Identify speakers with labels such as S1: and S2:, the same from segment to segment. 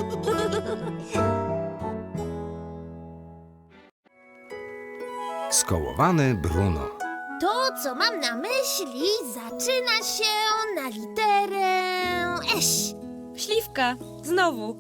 S1: Skołowany Bruno.
S2: To, co mam na myśli, zaczyna się na literę Eś.
S3: Śliwka, znowu.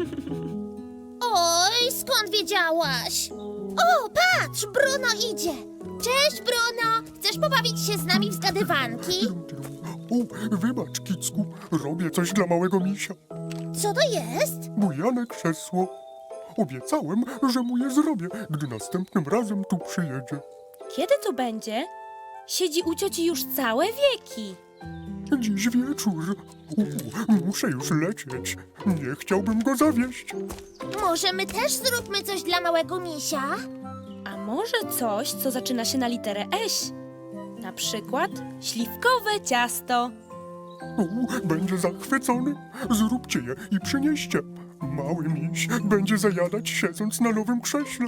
S2: Oj, skąd wiedziałaś? O, patrz, Bruno idzie. Cześć, Bruno. Chcesz pobawić się z nami w zgadywanki?
S4: O, wybacz, Kicku, robię coś dla małego misia.
S2: Co to jest?
S4: Bujane krzesło. Obiecałem, że mu je zrobię, gdy następnym razem tu przyjedzie.
S3: Kiedy to będzie? Siedzi u cioci już całe wieki.
S4: Dziś wieczór. Muszę już lecieć. Nie chciałbym go zawieść.
S2: Może my też zróbmy coś dla małego misia?
S3: A może coś, co zaczyna się na literę Eś? Na przykład śliwkowe ciasto.
S4: Będzie zachwycony. Zróbcie je i przynieście. Mały miś będzie zajadać, siedząc na nowym krześle.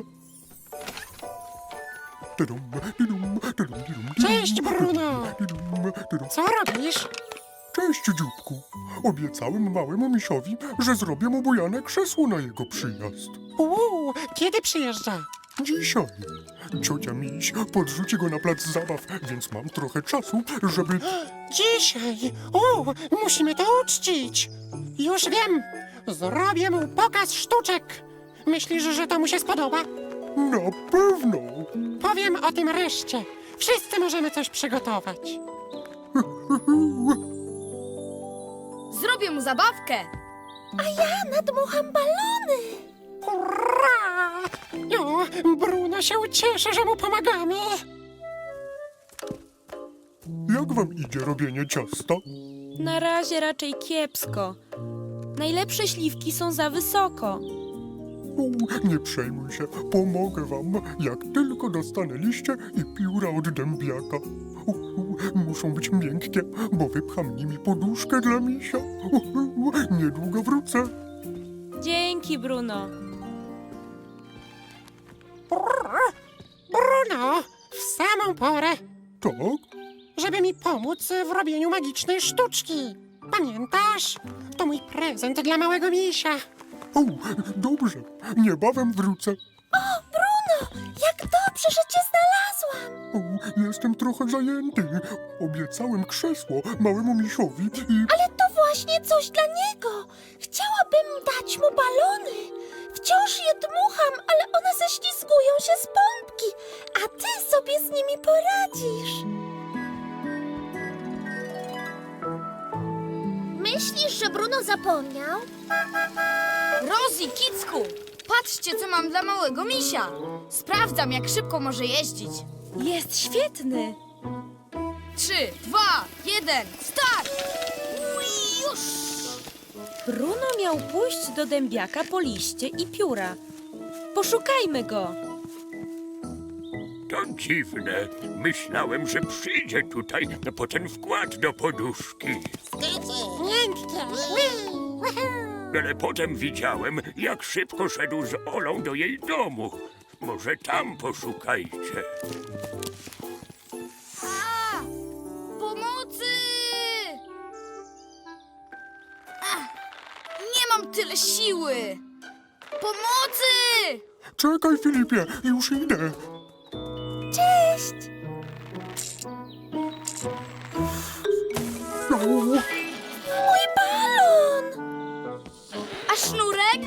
S5: Cześć, Bruno! Co robisz?
S4: Cześć, dzióbku. Obiecałem małemu misiowi, że zrobię mu bujane krzesło na jego przyjazd.
S5: Kiedy przyjeżdża?
S4: Dzisiaj. Ciocia miś podrzuci go na plac zabaw, więc mam trochę czasu, żeby...
S5: Dzisiaj! Musimy to uczcić! Już wiem! Zrobię mu pokaz sztuczek! Myślisz, że to mu się spodoba?
S4: Na pewno!
S5: Powiem o tym reszcie. Wszyscy możemy coś przygotować.
S6: Zrobię mu zabawkę.
S2: Nadmucham balony.
S5: Hurra! Bruno się ucieszy, że mu pomagamy.
S4: Jak wam idzie robienie ciasta?
S3: Na razie raczej kiepsko. Najlepsze śliwki są za wysoko.
S4: Nie przejmuj się, pomogę wam, jak tylko dostanę liście i pióra od dębiaka. Muszą być miękkie, bo wypcham nimi poduszkę dla misia. Niedługo wrócę.
S3: Dzięki, Bruno.
S5: Bruno, w samą porę,
S4: Tak?
S5: żeby mi pomóc w robieniu magicznej sztuczki. Pamiętasz? To mój prezent dla małego misia.
S4: Dobrze, niebawem wrócę.
S2: Jak dobrze, że cię znalazłam.
S4: Jestem trochę zajęty. Obiecałem krzesło małemu misiowi i...
S2: Ale to właśnie coś dla niego. Chciałabym dać mu balony. Wciąż je dmucham, ale one ześlizgują się z pompki, a ty sobie z nimi poradzisz. Myślisz, że Bruno zapomniał?
S6: Rosie, Kicku, patrzcie, co mam dla małego misia. Sprawdzam, jak szybko może jeździć.
S3: Jest świetny.
S6: 3, 2, 1, start! Już!
S3: Bruno miał pójść do dębiaka po liście i pióra. Poszukajmy go.
S7: To dziwne. Myślałem, że przyjdzie tutaj po ten wkład do poduszki.
S5: Miękkie.
S7: Ale potem widziałem, jak szybko szedł z Olą do jej domu. Może tam poszukajcie.
S6: Pomocy! Nie mam tyle siły! Pomocy!
S4: Czekaj, Filipie, już idę.
S2: Cześć! Mój balon!
S6: A sznurek?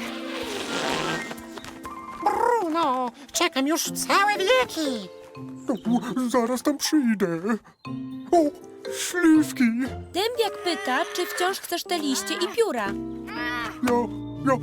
S5: Bruno, czekam już całe wieki.
S4: Zaraz tam przyjdę. O, śliwki.
S3: Dębiak pyta, czy wciąż chcesz te liście i pióra.
S4: Ja...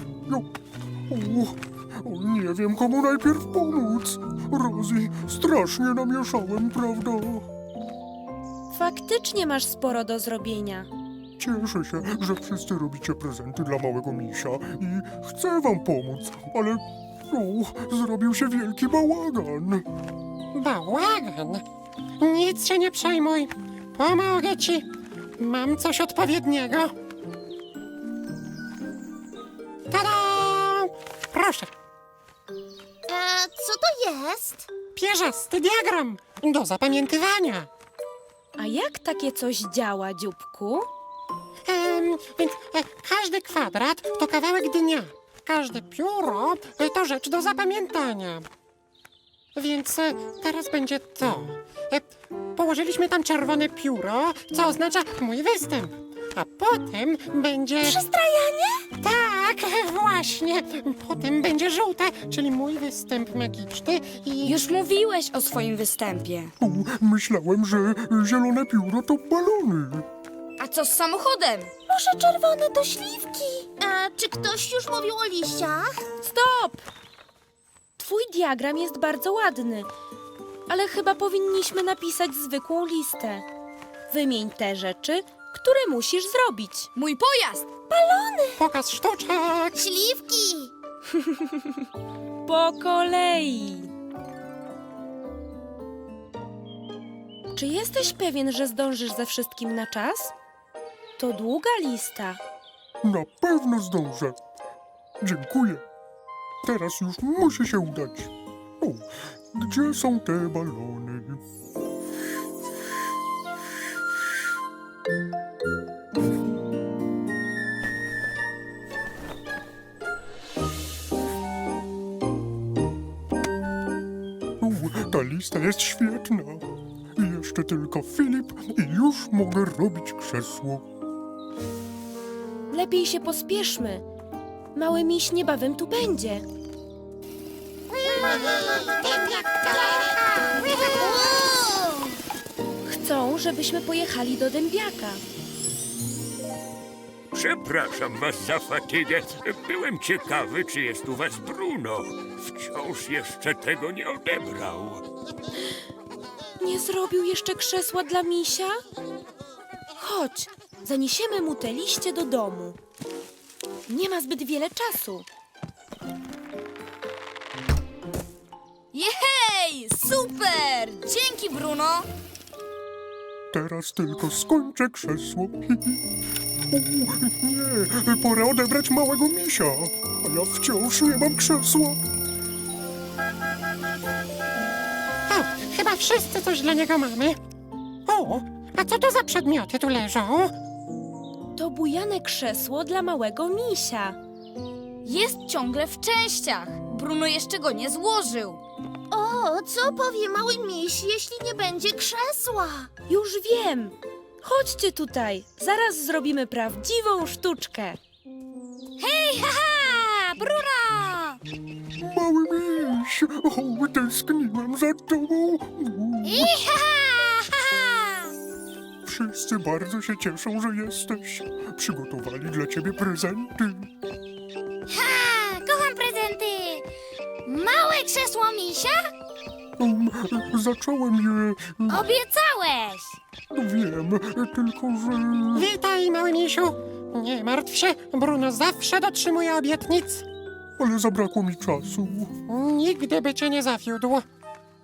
S4: nie wiem, komu najpierw pomóc. Rosie, strasznie namieszałem, prawda?
S3: Faktycznie masz sporo do zrobienia.
S4: Cieszę się, że wszyscy robicie prezenty dla małego misia i chcę wam pomóc, ale... zrobił się wielki bałagan.
S5: Bałagan. Nic się nie przejmuj. Pomogę ci. Mam coś odpowiedniego. Tada! Proszę,
S2: Co to jest?
S5: pierzasty diagram do zapamiętywania.
S3: A jak takie coś działa, dzióbku?
S5: Więc każdy kwadrat to kawałek dnia. każde pióro to rzecz do zapamiętania. Więc teraz będzie to. Położyliśmy tam czerwone pióro, co oznacza mój występ. A potem będzie...
S2: Przystrajanie?
S5: Tak, właśnie. Potem będzie żółte, czyli mój występ magiczny i...
S6: Już mówiłeś o swoim występie.
S4: Myślałem, że zielone pióro to balony.
S6: A co z samochodem?
S2: Może czerwone to śliwki? A czy ktoś już mówił o liściach?
S3: Stop! Twój diagram jest bardzo ładny, ale chyba powinniśmy napisać zwykłą listę. Wymień te rzeczy, które musisz zrobić.
S6: Mój pojazd!
S5: Pokaz sztuczek.
S2: Śliwki!
S3: Po kolei. Czy jesteś pewien, że zdążysz ze wszystkim na czas? To długa lista.
S4: Na pewno zdążę. Dziękuję. Teraz już musi się udać. O, gdzie są te balony? Ta lista jest świetna. Jeszcze tylko Filip i już mogę robić krzesło.
S3: Lepiej się pospieszmy. Mały miś niebawem tu będzie. Chcą, żebyśmy pojechali do dębiaka.
S7: Przepraszam was za fatygę. Byłem ciekawy, czy jest u was Bruno. Wciąż jeszcze tego nie odebrał.
S3: Nie zrobił jeszcze krzesła dla misia? Chodź, zaniesiemy mu te liście do domu. Nie ma zbyt wiele czasu.
S6: Jej! Super! Dzięki, Bruno!
S4: Teraz tylko skończę krzesło. O, nie, pora odebrać małego misia. A ja wciąż nie mam krzesła.
S5: O, chyba wszyscy coś dla niego mamy. O, a co to za przedmioty tu leżą?
S3: To bujane krzesło dla małego misia.
S6: Jest ciągle w częściach. Bruno jeszcze go nie złożył.
S2: O, co powie mały miś, jeśli nie będzie krzesła?
S3: Już wiem. Chodźcie tutaj. Zaraz zrobimy prawdziwą sztuczkę.
S6: Hej, haha! Bruno!
S4: Mały miś, o, tęskniłem za tobą. Wszyscy bardzo się cieszą, że jesteś. Przygotowali dla ciebie prezenty.
S2: Kocham prezenty! Małe krzesło misia?
S4: Zacząłem je...
S2: Obiecałeś!
S4: Wiem, tylko że...
S5: Witaj, mały misiu. Nie martw się, Bruno zawsze dotrzymuje obietnic.
S4: Ale zabrakło mi czasu.
S5: Nigdy by cię nie zawiódł.
S4: O,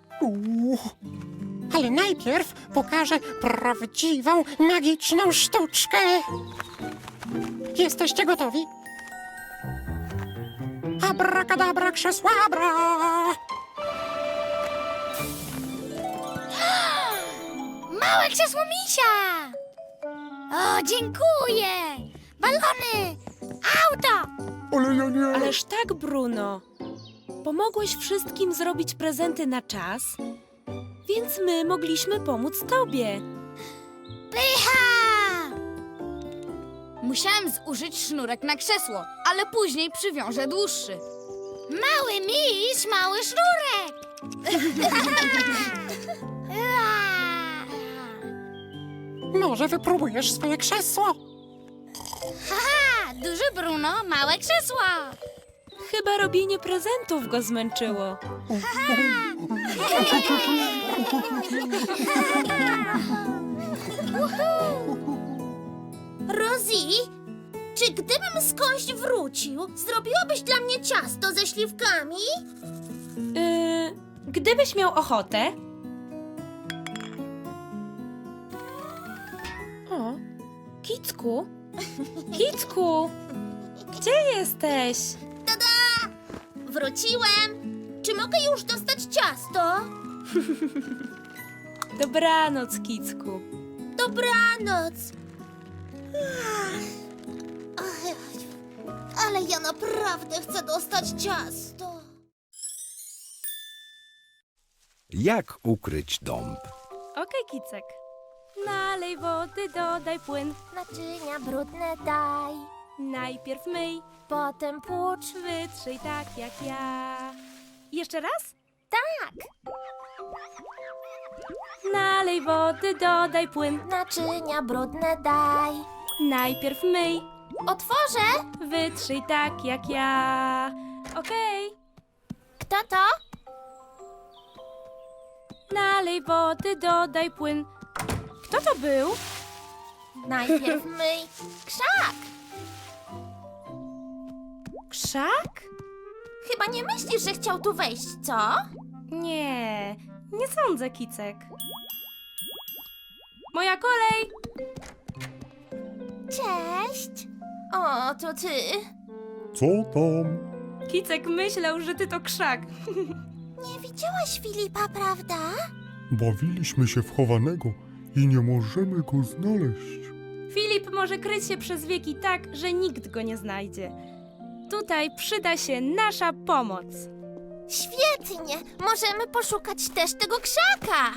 S5: Ale najpierw pokażę prawdziwą, magiczną sztuczkę. Jesteście gotowi? Abracadabra, krzesłabra!
S2: Małe krzesło misia! O, dziękuję! Balony! Auto!
S4: ale ja nie...
S3: Ależ tak, Bruno. Pomogłeś wszystkim zrobić prezenty na czas, więc my mogliśmy pomóc tobie.
S2: Pycha!
S6: Musiałem zużyć sznurek na krzesło, ale później przywiążę dłuższy.
S2: Mały miś, mały sznurek!
S5: Może wypróbujesz swoje krzesło?
S2: Haha, duży Bruno, małe krzesła!
S3: Chyba robienie prezentów go zmęczyło.
S2: Rosie, czy gdybym skądś wrócił, zrobiłabyś dla mnie ciasto ze śliwkami?
S3: Gdybyś miał ochotę. O, Kicku? Kicku! Gdzie jesteś?
S2: Wróciłem! Czy mogę już dostać ciasto?
S3: Dobranoc, Kicku.
S2: Dobranoc! Ale Ale ja naprawdę chcę dostać ciasto.
S1: Jak ukryć dąb?
S3: Okej, Kicek. Nalej wody, dodaj płyn.
S2: Naczynia brudne daj,
S3: Najpierw myj,
S2: potem płucz.
S3: wytrzyj tak jak ja. Jeszcze raz?
S2: Tak,
S3: Nalej wody, dodaj płyn.
S2: naczynia brudne daj.
S3: Najpierw myj,
S2: Otworzę.
S3: wytrzyj tak jak ja. Okej.
S2: Kto to?
S3: Nalej wody, dodaj płyn. Kto to był?
S2: Najpierw myj krzak.
S3: Krzak?
S2: Chyba nie myślisz, że chciał tu wejść, co?
S3: Nie, nie sądzę, Kicek. Moja kolej!
S2: Cześć. O, to ty.
S4: Co tam?
S3: Kicek myślał, że ty to krzak.
S2: Nie widziałaś Filipa, prawda?
S4: Bawiliśmy się w chowanego i nie możemy go znaleźć.
S3: Filip może kryć się przez wieki tak, że nikt go nie znajdzie. Tutaj przyda się nasza pomoc.
S2: Świetnie. Możemy poszukać też tego krzaka.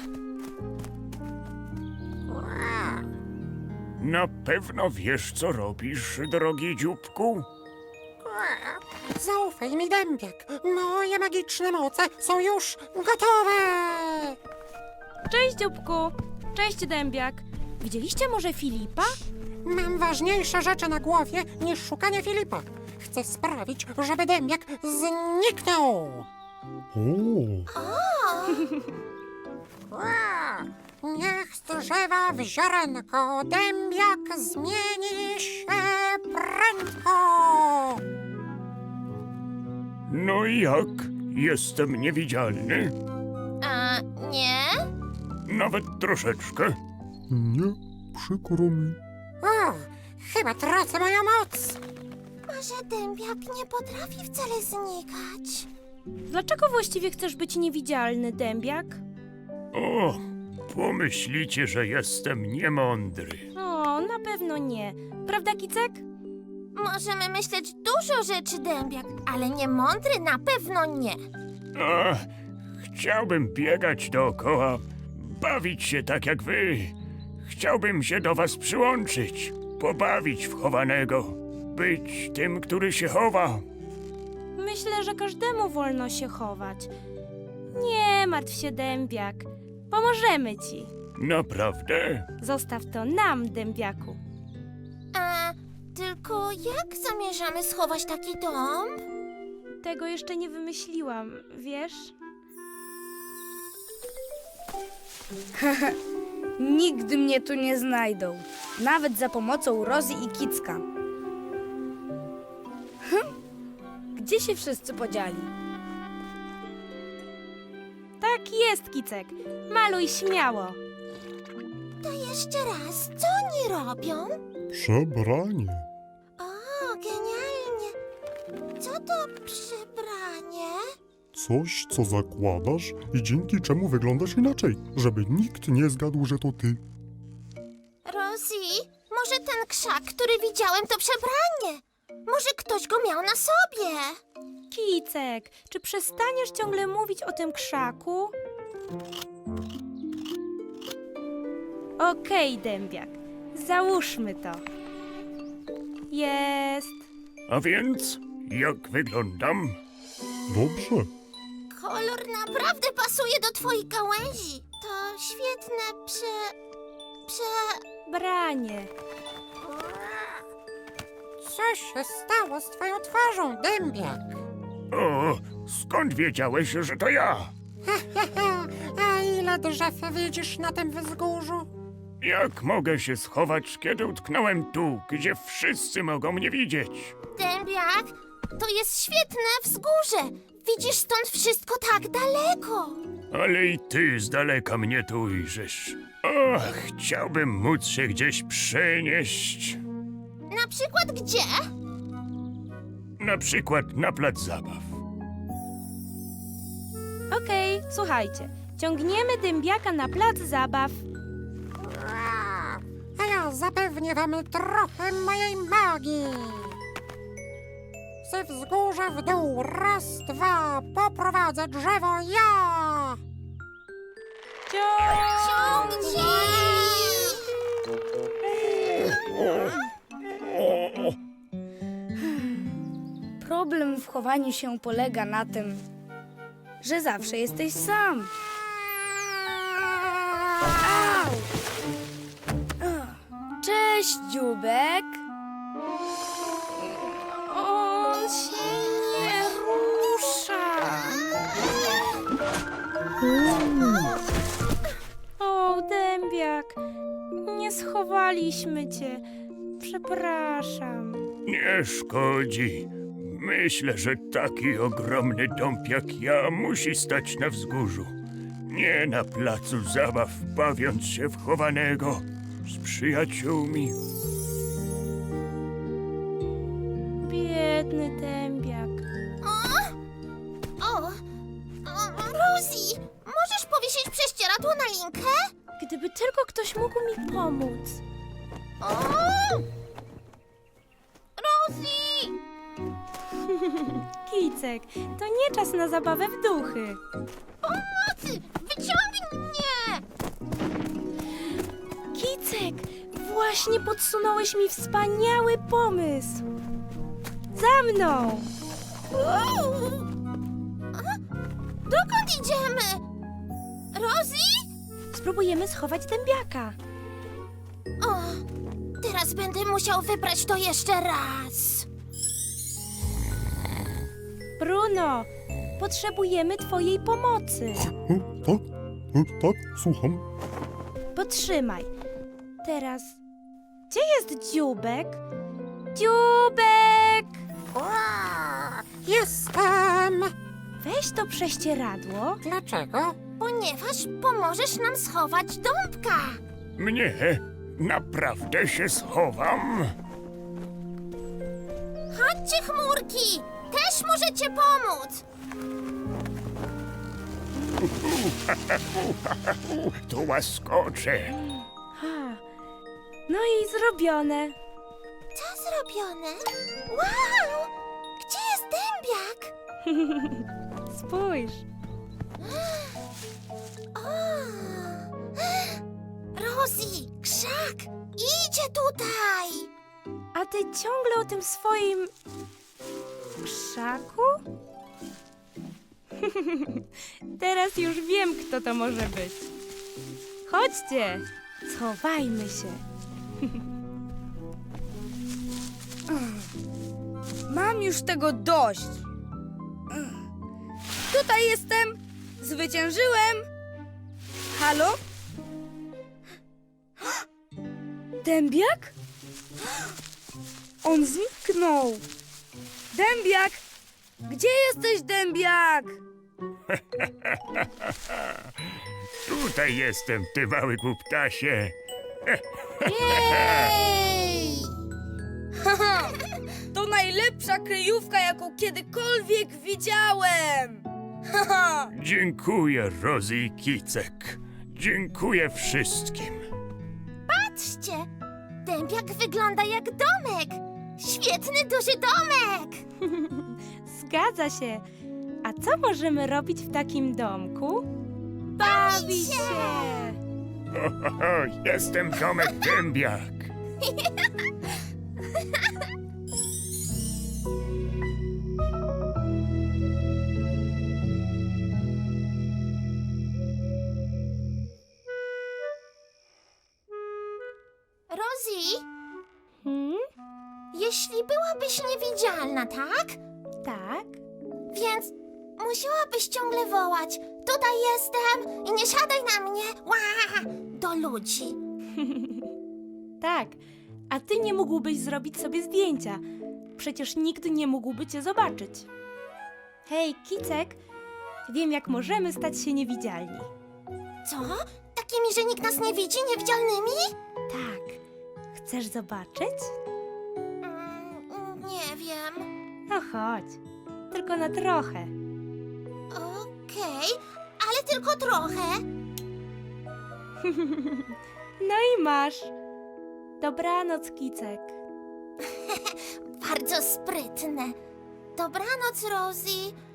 S7: Na pewno wiesz, co robisz, drogi dzióbku?
S5: Zaufaj mi, dębiak. Moje magiczne moce są już gotowe.
S3: Cześć, dzióbku. Cześć, dębiak. Widzieliście może Filipa?
S5: Mam ważniejsze rzeczy na głowie niż szukanie Filipa. Chcę sprawić, żeby dębiak zniknął. Niech z drzewa w ziarenko dębiak zmieni się prędko.
S7: No i jak? Jestem niewidzialny?
S2: A nie?
S7: Nawet troszeczkę.
S4: Nie, przykro mi.
S5: O, chyba tracę moją moc.
S2: Może dębiak nie potrafi wcale znikać.
S3: Dlaczego właściwie chcesz być niewidzialny, dębiak?
S7: O, pomyślicie, że jestem niemądry.
S3: O, na pewno nie. Prawda, Kicek?
S2: Możemy myśleć dużo rzeczy, dębiak, ale nie mądry na pewno nie.
S7: A, chciałbym biegać dookoła, bawić się tak jak wy. Chciałbym się do was przyłączyć, pobawić w chowanego, być tym, który się chowa.
S3: Myślę, że każdemu wolno się chować. Nie martw się, dębiak. Pomożemy ci.
S7: Naprawdę?
S3: Zostaw to nam, dębiaku.
S2: A tylko jak zamierzamy schować taki dom?
S3: Tego jeszcze nie wymyśliłam, wiesz?
S8: Nigdy mnie tu nie znajdą. Nawet za pomocą Rozy i Kicka. Gdzie się wszyscy podzieli?
S3: Tak jest, Kicek. Maluj śmiało.
S2: To jeszcze raz, co oni robią?
S4: Przebranie.
S2: O, genialnie. Co to przebranie?
S4: Coś, co zakładasz i dzięki czemu wyglądasz inaczej, żeby nikt nie zgadł, że to ty.
S2: Rosie, może ten krzak, który widziałem, to przebranie? Może ktoś go miał na sobie?
S3: Kicek, czy przestaniesz ciągle mówić o tym krzaku? Okej, dębiak. Załóżmy to. Jest.
S7: A więc, jak wyglądam?
S4: Dobrze.
S2: Kolor naprawdę pasuje do twojej gałęzi. To świetne
S3: Branie.
S5: Co się stało z twoją twarzą, dębiak?
S7: O, skąd wiedziałeś, że to ja?
S5: A ile drzew widzisz na tym wzgórzu?
S7: Jak mogę się schować, kiedy utknąłem tu, gdzie wszyscy mogą mnie widzieć?
S2: Dębiak, to jest świetne wzgórze. Widzisz stąd wszystko tak daleko.
S7: Ale i ty z daleka mnie tu ujrzysz. O, chciałbym móc się gdzieś przenieść.
S2: Na przykład gdzie?
S7: Na przykład na plac zabaw.
S3: Okej, słuchajcie. Ciągniemy dębiaka na plac zabaw.
S5: A ja zapewnię wam trochę mojej magii. Wszyscy wzgórze w dół. Raz, dwa, poprowadzę drzewo ja.
S8: Problem w chowaniu się polega na tym, że zawsze jesteś sam. Au! Cześć, dzióbek.
S3: On się nie rusza. O, dębiak, nie schowaliśmy cię. Przepraszam.
S7: Nie szkodzi. Myślę, że taki ogromny dąb jak ja musi stać na wzgórzu. Nie na placu zabaw, bawiąc się w chowanego z przyjaciółmi.
S3: Biedny dębiak.
S2: Rosie, możesz powiesić prześcieradło na linkę?
S3: Gdyby tylko ktoś mógł mi pomóc.
S2: Rosie!
S3: Kicek, to nie czas na zabawę w duchy.
S2: Pomocy! Wyciągnij mnie!
S3: Kicek, właśnie podsunąłeś mi wspaniały pomysł. Za mną!
S2: Dokąd idziemy? Rosie?
S3: Spróbujemy schować dębiaka.
S2: O, teraz będę musiał wybrać to jeszcze raz.
S3: Bruno, potrzebujemy twojej pomocy.
S4: Tak, słucham.
S3: Potrzymaj. Teraz, gdzie jest dzióbek? Dzióbek!
S5: Jestem.
S3: Weź to prześcieradło.
S5: Dlaczego?
S2: Ponieważ pomożesz nam schować dąbka.
S7: Mnie? Naprawdę się schowam?
S2: Chodźcie, chmurki! Też możecie pomóc!
S7: Tu łaskoczę.
S3: Ha. No i zrobione.
S2: Co zrobione? Wow! Gdzie jest dębiak?
S3: Spójrz.
S2: O! Rosie, krzak! Idzie tutaj!
S3: A ty ciągle o tym swoim krzaku? Teraz już wiem, kto to może być. Chodźcie, schowajmy się.
S8: Mam już tego dość. Tutaj jestem. Zwyciężyłem. Halo? Dębiak? On zniknął. Dębiak! Gdzie jesteś, dębiak?
S7: Tutaj jestem, ty mały głuptasie.
S2: Jej!
S8: To najlepsza kryjówka, jaką kiedykolwiek widziałem.
S7: Dziękuję, Rosie i Kicek. Dziękuję wszystkim.
S2: Patrzcie! Dębiak wygląda jak domek! Świetny, duży domek!
S3: Zgadza się. A co możemy robić w takim domku? Bawić się!
S7: Jestem Tomek Dębiak.
S2: Rosie,
S3: Hmm?
S2: jeśli byłabyś niewidzialna, tak?
S3: Tak?
S2: Więc musiałabyś ciągle wołać: tutaj jestem i nie siadaj na mnie! Ła! Do ludzi.
S3: Tak. A ty nie mógłbyś zrobić sobie zdjęcia. Przecież nikt nie mógłby cię zobaczyć. Hej, Kicek, wiem, jak możemy stać się niewidzialni.
S2: Co? Takimi, że nikt nas nie widzi, niewidzialnymi?
S3: Tak. Chcesz zobaczyć?
S2: Nie wiem.
S3: No chodź. Tylko na trochę.
S2: Okej, ale tylko trochę.
S3: No i masz. Dobranoc, Kicek.
S2: Bardzo sprytne. Dobranoc, Rosie.